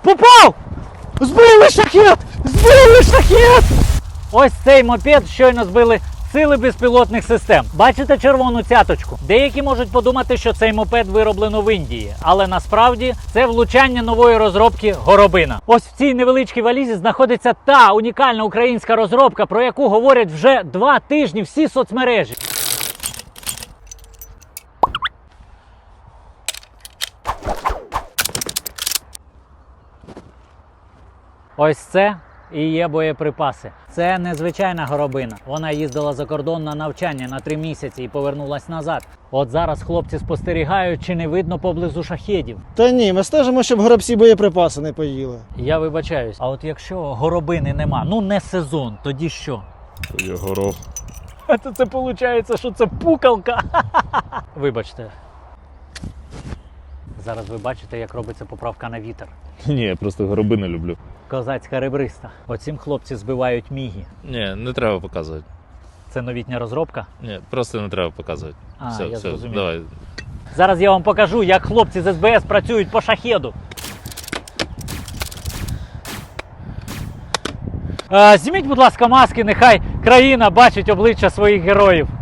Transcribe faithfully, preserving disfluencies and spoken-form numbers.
Попав! Збили шахет! Збили шахет! Ось цей мопед щойно збили сили безпілотних систем. Бачите червону цяточку? Деякі можуть подумати, що цей мопед вироблено в Індії, але насправді це влучання нової розробки Горобина. Ось в цій невеличкій валізі знаходиться та унікальна українська розробка, про яку говорять вже два тижні всі соцмережі. Ось це і є боєприпаси. Це незвичайна горобина. Вона їздила за кордон на навчання на три місяці і повернулась назад. От зараз хлопці спостерігають, чи не видно поблизу шахедів. Та ні, ми стежимо, щоб горобці боєприпаси не поїли. Я вибачаюсь. А от якщо горобини нема, ну не сезон, тоді що? Я горох. А то це виходить, що це пукалка. Вибачте. Зараз ви бачите, як робиться поправка на вітер. Ні, я просто горобини люблю. Козацька ребриста. Оцім хлопці збивають міги. Ні, не треба показувати. Це новітня розробка? Ні, просто не треба показувати. А, все, я все, зрозумів. давай. Зараз я вам покажу, як хлопці з ес бе ес працюють по шахеду. А, зніміть, будь ласка, маски, нехай країна бачить обличчя своїх героїв.